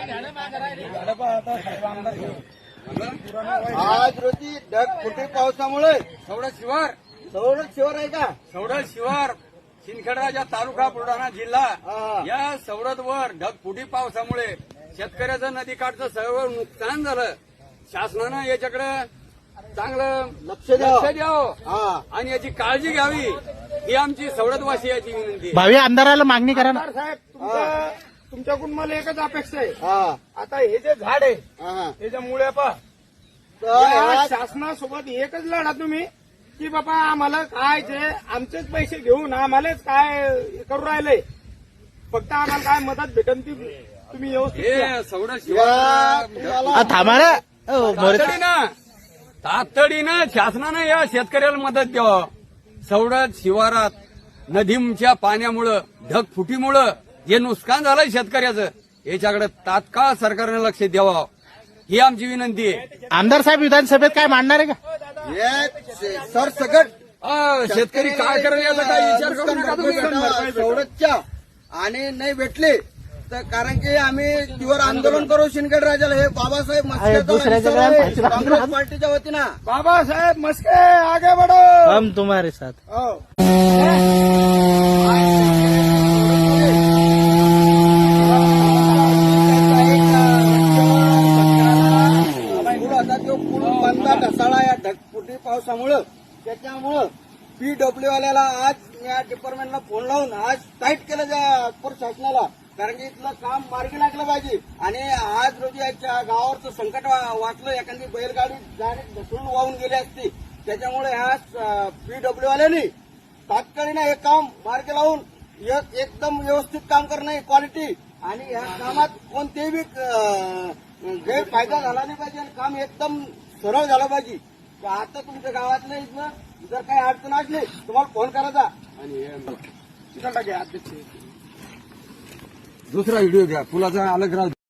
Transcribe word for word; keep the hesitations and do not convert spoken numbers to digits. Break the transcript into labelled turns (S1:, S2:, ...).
S1: आज रोजी ढगफुटी पावसामुळे
S2: सवडत शिवार
S1: सवडत शिवार आहे का?
S2: सवडत शिवार शिंदखेडराजा तालुका बुलढाणा जिल्हा
S1: हा.
S2: या सवडतवर ढगफुटी पावसामुळे शेतकऱ्याचं नदीकाठचं सर्व नुकसान झालं. शासनानं याच्याकडे चांगलं
S1: लक्ष द्यावं.
S2: लक्ष द्यावं
S1: हा.
S2: आणि याची काळजी घ्यावी ही आमची सवडतवासियाची विनंती आहे.
S3: भावी आमदाराला मागणी करा ना.
S4: आमदार साहेब तुमच्या तुमच्याकडून मला एकच अपेक्षा आहे.
S1: हा.
S4: आता हे जे झाड आहे
S1: हा.
S4: त्याच्या मुळे पहा
S1: तर
S4: या
S1: ह्या-
S4: शासनासोबत एकच लढा तुम्ही की बाबा आम्हाला काय जे आमचेच पैसे घेऊन आम्हालाच काय करू राहिले, फक्त आम्हाला काय मदत भेटन ती तुम्ही व्यवस्थित द्या.
S2: हे सवडत
S1: या
S2: शिवार
S1: तुम्हाला
S3: आ, थांबा ना. अहो, मोरे-
S2: तातडीनं तातडीनं शासनानं या शेतकऱ्याला मदत द्यावं. सवडत शिवारात नदीच्या पाण्यामुळं ढगफुटीमुळं जे नुकसान झालंय शेतकऱ्याचं याच्याकडे तात्काळ सरकारने लक्ष द्यावं ही आमची विनंती आहे.
S3: आमदार साहेब विधानसभेत काय मांडणार आहे का?
S1: हे सरसकट
S2: अ, शेतकरी काय करेल याचा काही विचार करू नका तुम्ही.
S1: सवडतच्या आणि नाही भेटले तर कारण की आम्ही तीव्र आंदोलन करू शिंदखेड राजाला. हे बाबासाहेब
S3: अरे, दुसऱ्या
S1: मस्के
S3: जगात पाहिजे.
S1: काँग्रेस पार्टीच्या वतीनं
S4: बाबासाहेब मस्के आगे बढो.
S3: हम तुम्हारे साथ.
S4: हो.
S1: पूल आता तो पूल बंदा ढसाळा या ढगफुटी पावसामुळं. त्याच्यामुळं पीडब्ल्यू वाल्याला आज या डिपार्टमेंटला फोन लावून आज टाईट केलं त्या प्रशासनाला, कारण की इथलं काम मार्गी लागलं पाहिजे. आणि आज रोजी याच्या गावावरचं संकट वा- वाचलं. एखादी बैलगाडी डायरेक्ट ढसळून वाहून गेली असती. त्याच्यामुळे ह्या पीडब्ल्यू वाल्यांनी तात्काळीनं हे काम मार्गी लावून एक- एकदम व्यवस्थित काम करणं ही क्वालिटी. आणि ह्या कामात कोणतेही बी अं, गैरफायदा झाला नाही पाहिजे आणि काम एकदम सरळ झालं पाहिजे. तर आता तुमच्या गावातलं इथनं जर काही अडचण असली तुम्हाला फोन करायचा.
S2: आणि हे
S4: तिकडे घ्या अध्यक्ष.
S2: दुसरा व्हिडिओ घ्या पुलाचा अलग राहू.